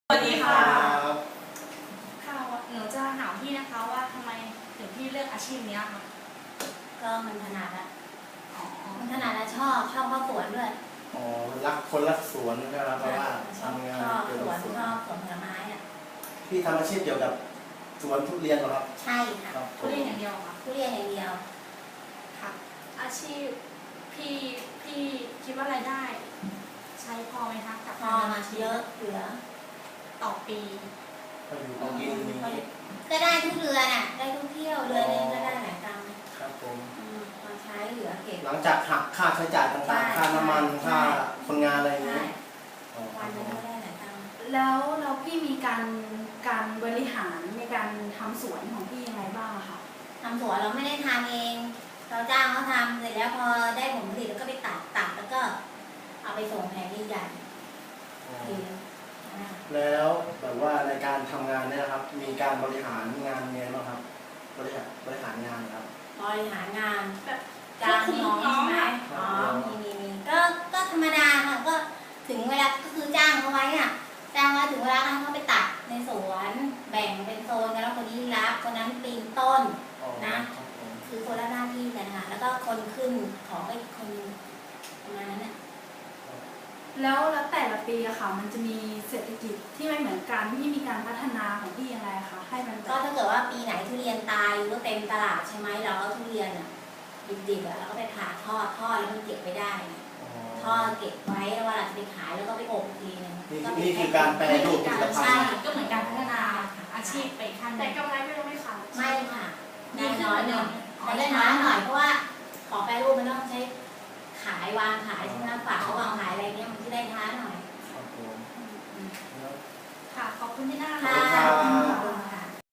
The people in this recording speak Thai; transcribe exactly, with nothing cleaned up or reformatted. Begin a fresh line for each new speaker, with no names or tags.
สวัสดีค่ะ
ค่ะหนูจะถามพี่นะคะว่าทำไมถึงพี่เลือกอาชีพนี้ค่ะ
ก็มันถนัดอะ
อ๋อ
มันถนัดและชอบชอบเข้าสวนด้วย
อ๋อรักคนรักสวนนะครับเพราะว่า
ชอบ
ทำงาน
ชอบ
เกี่ยว
สว
กับ
น
สวน
ชอบสวนผลไม้อะ
พี่ทำอาชีพเกี่ยวกับสวนทุเรียนเหรอครับ
ใช่ค่ะ
ครับ
ทุเรียนอย่างเดียวค่ะ
ทุเรียนอย่างเดียว
ค่ะ อาชีพพี่พี่คิดว่ารายได้ ใช้พอไหมคะกับ
พอมาเยอะเหลือ
ต่อปี
ก็อยู่ของกินอย่างนี้
ก็ได้ทุกเรือนอะได้ทุกเที่ยวเรือนนึงก็ได้หลายตังค์
ครับผม
อืมมาใช้เหลือเก็บ
หลังจากหักค่าใช้จ่ายต่างๆ ค่าน้ำมันค่าคนงานอะไรอย่าง
ใช่
นี้อ๋อค
วั
รั
น
บ
นึ
ผ
ง
ม
ก็ได้หลายตังค์
แล้วแล้วพี่มีการการบริหารในการทำสวนของพี่ยังไงบ้างอะคะ
ทำสวนเราไม่ได้ทำเอง เราจ้างเขาทำเสร็จแล้วพอได้ผลผลิตแล้วก็ไปตัดตัดแล้วก็ เอาไปส่งแผงใหญ่
อ๋อ
ๆทีนึงอ่า
แล้วแบบว่าในการทำงานเนี่ยนะครับ มีการบริหารงานยังไงบ้างครับ บริหารบริหารงานครับ
บริหารงาน
แบบ
จ้างน้องใช่ไหม
คว
อ๋
รั
อบ มีมีมีก็ก็ธรรมดาค่ะก็ถึงเวลาก็คือจ้างเขาไว้อ่ะจ้างไว้ถึงเวลาให้เขาไปตัดในสวนแบ่งเป็นโซนกันแล้วคนนี้รับคนนั้นปีนต้น
อ๋อ
นะ
ครับผม
คือคนละหน้าที่กันค่ะแล้วก็คนขึ้นของไปคนประมาณนั้นน่ะ
แล้วแล้วแต่ละปีอะค่ะ มันจะมีเศรษฐกิจที่ไม่เหมือนกันพี่มีการพัฒนาของพี่ยังไงคะให้มันแบ
ก็
บ
ถ้าเกิดว่าปีไหนทุเรียนตายหรือว่าเต็มตลาดใช่ไหมเราก็ทุเรียนอ่ะดิบๆอ่ะเราก็ไปผ่าทอดทอดแล้วมันเก็บไว้ได้
อ๋
ทอดเก็บไว้แล้วเวลาจะไปขายแล้วก็ไปอบอีกทีนึง
นี่
ก็เป็
นี่คือการแปรรูปผลิตภั
ใช่
ณฑ์
ก็เหมือนการพัฒนาอาชีพไปขั้น
แต่กำไรก็ยังไม่ขาด
ไม่ค่ะ
ดี
ได้
ขึ้น
น้อย
กว่า
ห
เดิ
น่อ
ม
ยแต่ได้น้อยหน่อยเพราะว่าของแปรรูปมันต้องใช้ขายวางขายใช่ไหมฝากเขาวางขายอะไรเงี้ยมันจะได้ช้าหน่อย
ครับผมแล้ว
ค่ะ ขอบคุณที่น่า
ค่ะ